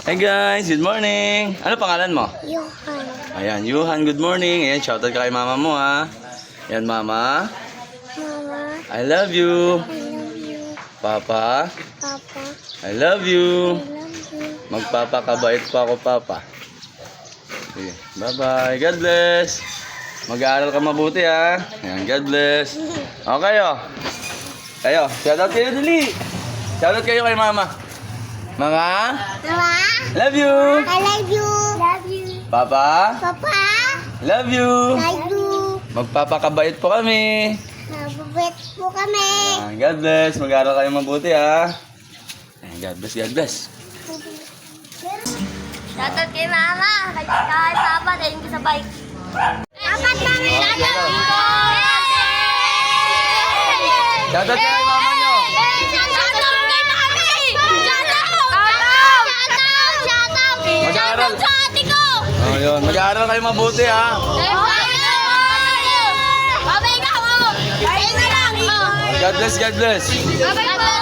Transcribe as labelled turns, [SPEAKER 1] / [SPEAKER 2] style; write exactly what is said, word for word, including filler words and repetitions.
[SPEAKER 1] Hi guys, good morning. Ano pangalan mo?
[SPEAKER 2] Johan.
[SPEAKER 1] Ayan, Yuhan, good morning. Ayan, shoutout ka kay mama mo ha. Ayan, mama.
[SPEAKER 2] Mama,
[SPEAKER 1] I love you.
[SPEAKER 2] I love you.
[SPEAKER 1] Papa,
[SPEAKER 2] Papa,
[SPEAKER 1] I love
[SPEAKER 2] I
[SPEAKER 1] you.
[SPEAKER 2] love you.
[SPEAKER 1] Magpapakabait pa ako, Papa. Sige, bye-bye. God bless. Mag-aaral ka mabuti ha. Ayan, God bless. Okay, oh. Kayo, shoutout kayo dali. Shoutout kayo kay mama. Mga,
[SPEAKER 2] Mama,
[SPEAKER 1] love you.
[SPEAKER 2] I love you. Love you.
[SPEAKER 1] Papa,
[SPEAKER 2] Papa,
[SPEAKER 1] love you.
[SPEAKER 2] love you.
[SPEAKER 1] Magpapakabait po kami.
[SPEAKER 2] Nababait po kami.
[SPEAKER 1] Ayan, God bless. Mag-aaral kayo mabuti ha. Ayan, God bless, God bless.
[SPEAKER 2] Shoutout kay Mama, kay kay Papa, dahil hindi sa bike. Apat kami shoutout dito.
[SPEAKER 1] Shoutout kayo kay mama nyo.
[SPEAKER 2] Shoutout kay Mami. Shoutout. Shoutout. Shoutout.
[SPEAKER 1] Mag-aaral.
[SPEAKER 2] Sa ate ko.
[SPEAKER 1] Oh, yun. Mag-aaral kayo mabuti ha.
[SPEAKER 2] Babay ka mo. Babay ka lang.
[SPEAKER 1] God bless, God bless.
[SPEAKER 2] Babay po.